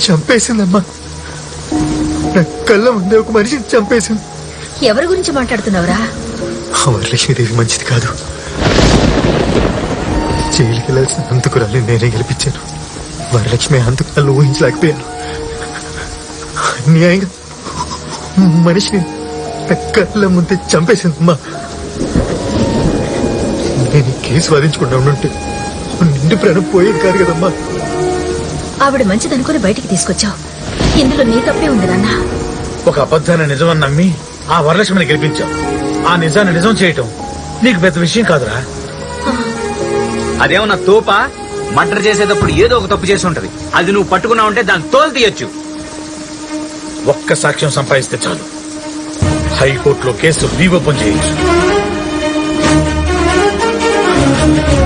చంపేసిందమ్మా. నా కళ్ళ ముందే ఒక మనిషిని చంపేసింది. ఎవరి గురించి మాట్లాడుతున్నావురా? ఆ వరలక్ష్మీదేవి మంచిది కాదు. జైలుకి వెళ్ళాల్సిన హంతకురాల్ని నేనే గెలిపించాను. వరలక్ష్మి హంతకురాలు ఊహించలేకపోయాను. అన్యాయంగా మనిషిని నా కళ్ళ ముందే చంపేసిందమ్మా. నేను ఈ కేసు వాదించకుండా ఉండుంటే నిండు ప్రాణం పోయేది కాదు కదమ్మా. ఆవిడ మంచిదనుకుని బయటికి తీసుకొచ్చావు. ఇందులో నీ తప్పే ఉంది నాన్న. ఒక అబద్ధాన్ని నిజమని నమ్మి ఆ వరలక్ష్మిని గెలిపించావు. ఆ నిజాన్ని నిజం చేయటం నీకు పెద్ద విషయం కాదురా. అదేమన్నా తోపా? మర్డర్ చేసేటప్పుడు ఏదో ఒక తప్పు చేసి ఉంటది. అది నువ్వు పట్టుకున్నావు అంటే దాన్ని తోలు తీయొచ్చు. ఒక్క సాక్ష్యం సంపాదిస్తే చాలు, హైకోర్టులో కేసు రీఓపెన్ చేయొచ్చు.